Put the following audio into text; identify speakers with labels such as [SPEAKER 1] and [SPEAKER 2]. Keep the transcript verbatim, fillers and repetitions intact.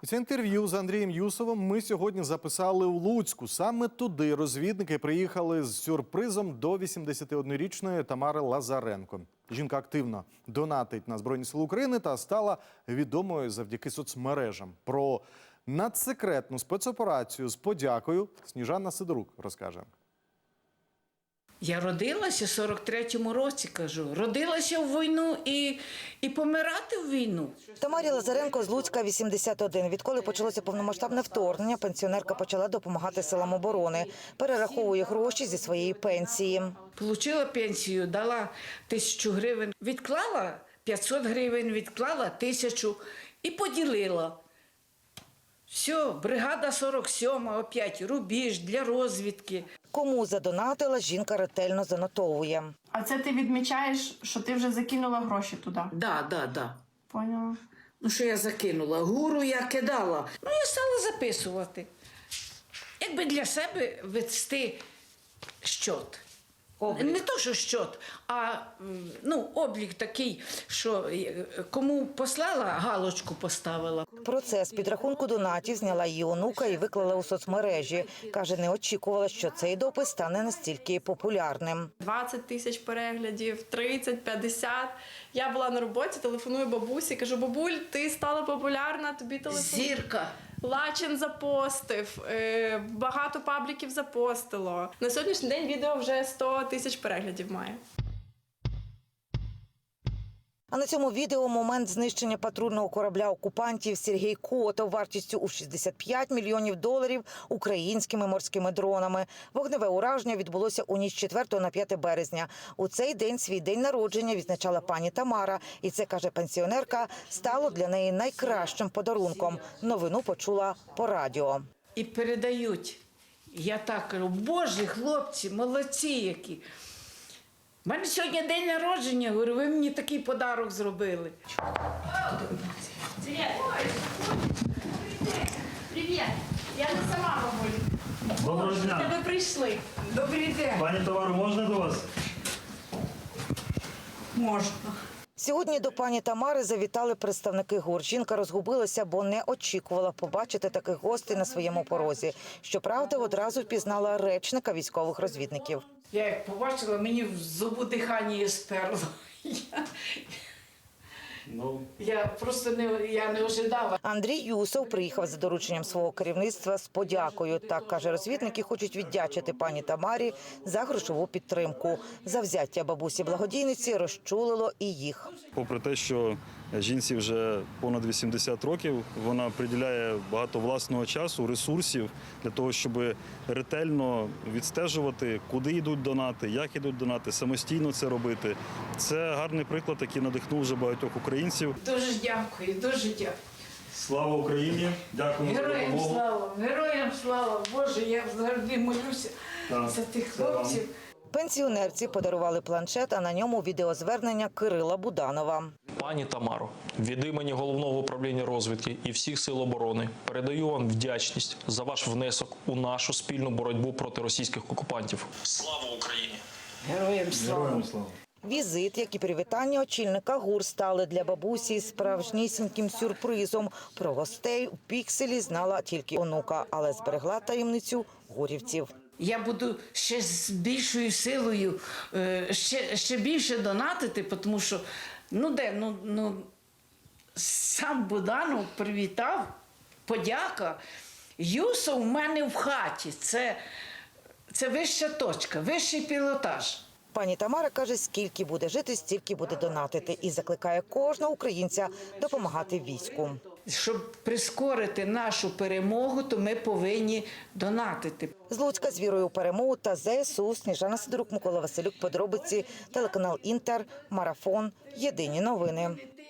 [SPEAKER 1] Це інтерв'ю з Андрієм Юсовим ми сьогодні записали у Луцьку. Саме туди розвідники приїхали з сюрпризом до вісімдесятиоднорічної Тамари Лазаренко. Жінка активно донатить на Збройні Сили України та стала відомою завдяки соцмережам. Про надсекретну спецоперацію з подякою Сніжана Сидорук розкаже.
[SPEAKER 2] Я родилася в сорок третьому році, кажу. Родилася в війну і, і помирати в війну.
[SPEAKER 3] Тамарі Лазаренко з Луцька вісімдесят один. Відколи почалося повномасштабне вторгнення, пенсіонерка почала допомагати силам оборони. Перераховує гроші зі своєї пенсії.
[SPEAKER 2] Получила пенсію, дала тисячу гривень. Відклала п'ятсот гривень, відклала тисячу і поділила. Все, бригада сорок сьома, опять рубіж для розвідки.
[SPEAKER 3] Кому задонатила, жінка ретельно занотовує.
[SPEAKER 4] А це ти відмічаєш, що ти вже закинула гроші туди?
[SPEAKER 2] Да, да, да.
[SPEAKER 4] Поняла.
[SPEAKER 2] Ну, що я закинула? Гуру я кидала. Ну, я стала записувати. Якби для себе вести щот. Не то, що щот, а ну, облік такий, що кому послала, галочку поставила.
[SPEAKER 3] Процес підрахунку донатів зняла її онука і виклала у соцмережі. Каже, не очікувала, що цей допис стане настільки популярним.
[SPEAKER 4] двадцять тисяч переглядів, тридцять, п'ятдесят. Я була на роботі, телефоную бабусі, кажу: бабуль, ти стала популярна, тобі телефон.
[SPEAKER 2] Зірка.
[SPEAKER 4] Лачин запостив, багато пабліків запостило. На сьогоднішній день відео вже сто тисяч переглядів має.
[SPEAKER 3] А на цьому відео момент знищення патрульного корабля окупантів Сергій Котов вартістю у шістдесят п'ять мільйонів доларів українськими морськими дронами. Вогневе ураження відбулося у ніч з четвертого на п'яте березня. У цей день свій день народження відзначала пані Тамара. І це, каже пенсіонерка, стало для неї найкращим подарунком. Новину почула по радіо.
[SPEAKER 2] І передають. Я так кажу: боже, хлопці, молодці які. У мене сьогодні день народження, говорю, ви мені такий подарок зробили.
[SPEAKER 4] Привіт! Привіт! Я не сама, бабуль.
[SPEAKER 5] Доброго дня.
[SPEAKER 4] Ви прийшли.
[SPEAKER 2] Добрий день.
[SPEAKER 5] Пані Тамару, можна до вас?
[SPEAKER 2] Можна.
[SPEAKER 3] Сьогодні до пані Тамари завітали представники ГУР. Жінка розгубилася, бо не очікувала побачити таких гостей на своєму порозі. Щоправда, одразу впізнала речника військових розвідників.
[SPEAKER 2] Я як побачила, мені в зубу дихання сперло. Я,
[SPEAKER 5] Ну,
[SPEAKER 2] я просто не, я не ожидала.
[SPEAKER 3] Андрій Юсов приїхав за дорученням свого керівництва з подякою. Так, каже, розвідники хочуть віддячити пані Тамарі за грошову підтримку. Завзяття бабусі-благодійниці розчулило і їх.
[SPEAKER 6] Попри те, що жінці вже понад вісімдесят років, вона приділяє багато власного часу, ресурсів для того, щоб ретельно відстежувати, куди йдуть донати, як йдуть донати, самостійно це робити. Це гарний приклад, який надихнув вже багатьох українців.
[SPEAKER 2] Дуже дякую, дуже дякую.
[SPEAKER 6] Слава Україні! Дякуємо за
[SPEAKER 2] Героям
[SPEAKER 6] допомогу.
[SPEAKER 2] слава, героям слава. Боже, я завжди молюся
[SPEAKER 6] Так,
[SPEAKER 2] за тих
[SPEAKER 6] це вам.
[SPEAKER 2] хлопців.
[SPEAKER 3] Пенсіонерці подарували планшет, а на ньому відеозвернення Кирила Буданова.
[SPEAKER 7] Пані Тамаро, від імені Головного управління розвідки і всіх сил оборони передаю вам вдячність за ваш внесок у нашу спільну боротьбу проти російських окупантів. Слава Україні!
[SPEAKER 2] Героям слава.
[SPEAKER 6] Героям слава!
[SPEAKER 3] Візит, як і привітання очільника ГУР, стали для бабусі справжнісіньким сюрпризом. Про гостей у пікселі знала тільки онука, але зберегла таємницю гурівців.
[SPEAKER 2] Я буду ще з більшою силою, е, ще, ще більше донатити, тому що, ну де, ну, ну сам Буданов привітав, подяка. Юсов у мене в хаті, це, це вища точка, вищий пілотаж.
[SPEAKER 3] Пані Тамара каже, скільки буде жити, стільки буде донатити. І закликає кожного українця допомагати війську.
[SPEAKER 2] Щоб прискорити нашу перемогу, то ми повинні донатити.
[SPEAKER 3] З Луцька з вірою у перемогу та ЗСУ. Сніжана Сидорук, Микола Василюк. Подробиці. Телеканал Інтер. Марафон. Єдині новини.